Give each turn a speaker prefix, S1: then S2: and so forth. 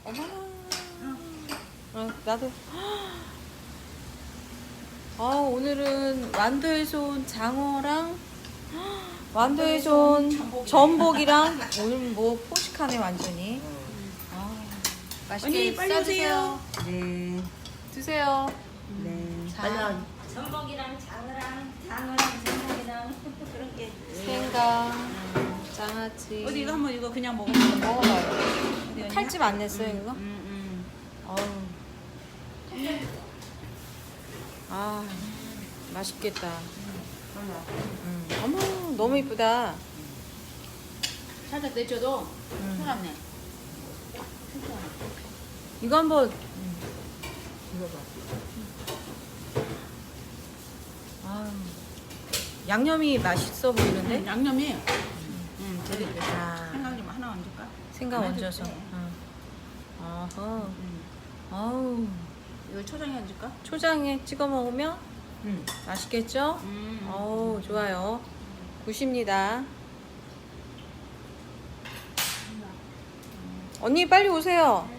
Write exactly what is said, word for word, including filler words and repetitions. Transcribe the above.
S1: 어머나. 어, 나도. 아, 오늘은 완도에서 온 장어랑 완도에서 온 전복이랑 오늘 뭐 포식하네 완전히. 아, 맛있게
S2: 언니, 빨리
S1: 싸주세요.
S3: 네.
S1: 드세요.
S3: 네.
S1: 자,
S2: 전복이랑 장어랑 장어랑 전복이랑 그런 게
S1: 생강, 장아찌.
S2: 어디 이거 한번 이거 그냥 먹어보면
S1: 먹어봐요.
S2: 어디 언니?
S1: 칼집 안 냈어요 이거?
S2: 음,
S1: 어우. 아, 맛있겠다. 음. 어머, 너무 이쁘다.
S2: 음. 살짝 내줘도
S1: 음.
S2: 차갑네.
S1: 이거 한번
S3: 이거 봐.
S1: 아, 양념이 맛있어 보이는데?
S2: 양념이 음, 되게
S1: 아,
S2: 생강 좀 하나 얹을까?
S1: 생강
S2: 하나
S1: 얹어서.
S2: 얹을게.
S1: 응. 어허.
S2: 음.
S1: 아우,
S2: 이걸 초장에 얹을까?
S1: 초장에 찍어 먹으면
S3: 응.
S1: 맛있겠죠?
S2: 음.
S1: 어우, 좋아요. 굿입니다. 언니 빨리 오세요.